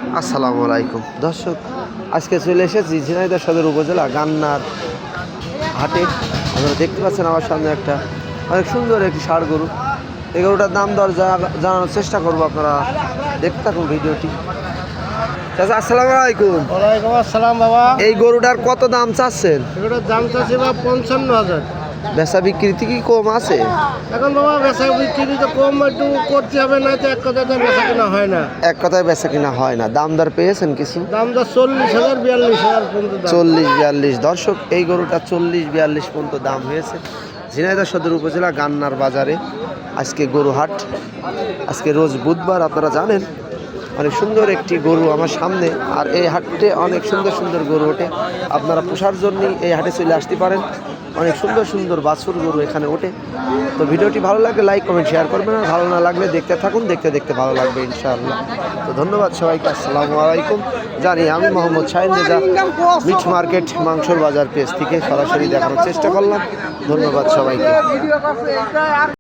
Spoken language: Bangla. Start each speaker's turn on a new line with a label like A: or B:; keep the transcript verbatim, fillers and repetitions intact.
A: আসসালামু আলাইকুম দর্শক, আজকে চলে এসেছি ঝিনাইদহ সদর উপজেলা গান্নার হাটে। আপনারা দেখতে পাচ্ছেন আমার সামনে একটা অনেক সুন্দর একটি ষাঁড় গরু। এই গরুটার দাম দর জানানোর চেষ্টা করবো, আপনারা দেখতে থাকুন ভিডিওটি। চাচা আসসালামু আলাইকুম।
B: ওয়ালাইকুম আসসালাম বাবা।
A: এই গরুটার কত দাম চাচ্ছেন?
B: এগুলোর দাম চাচ্ছি বা পঞ্চান্ন হাজার।
A: বেচা বিক্রিতে কি কম আছে?
B: এখন বাবা বেচা বিক্রি তো কম একটু করতে হবে, না তো এক কথায় তো বেচা কিনা হয় না।
A: এক কথায় বেচা কিনা হয় না। দাম দর পেয়েছেন কিছু?
B: দাম তো চল্লিশ হাজার বিয়াল্লিশ হাজার পর্যন্ত দাম।
A: চল্লিশ বিয়াল্লিশ দর্শক, এই গরুটা চল্লিশ বিয়াল্লিশ পর্যন্ত দাম হয়েছে ঝিনাইদহ সদর উপজেলা গান্নার বাজারে। আজকে গরু হাট, আজকে রোজ বুধবার, আপনারা জানেন। অনেক সুন্দর একটি গরু আমার সামনে, আর এই হাটে অনেক সুন্দর সুন্দর গরু ওঠে। আপনারা পোষার জন্যই এই হাটে চলে আসতে পারেন। অনেক সুন্দর সুন্দর বাছুর গরু এখানে ওঠে। তো ভিডিওটি ভালো লাগলে লাইক কমেন্ট শেয়ার করবেন, আর ভালো না লাগলে দেখতে থাকুন, দেখতে দেখতে ভালো লাগবে ইনশাআল্লাহ। তো ধন্যবাদ সবাইকে, আসসালামু আলাইকুম। জানি আমি মোহাম্মদ শাহিন রেজা, মিট মার্কেট মাংসর বাজার পেজ থেকে সরাসরি দেখানোর চেষ্টা করলাম। ধন্যবাদ সবাইকে।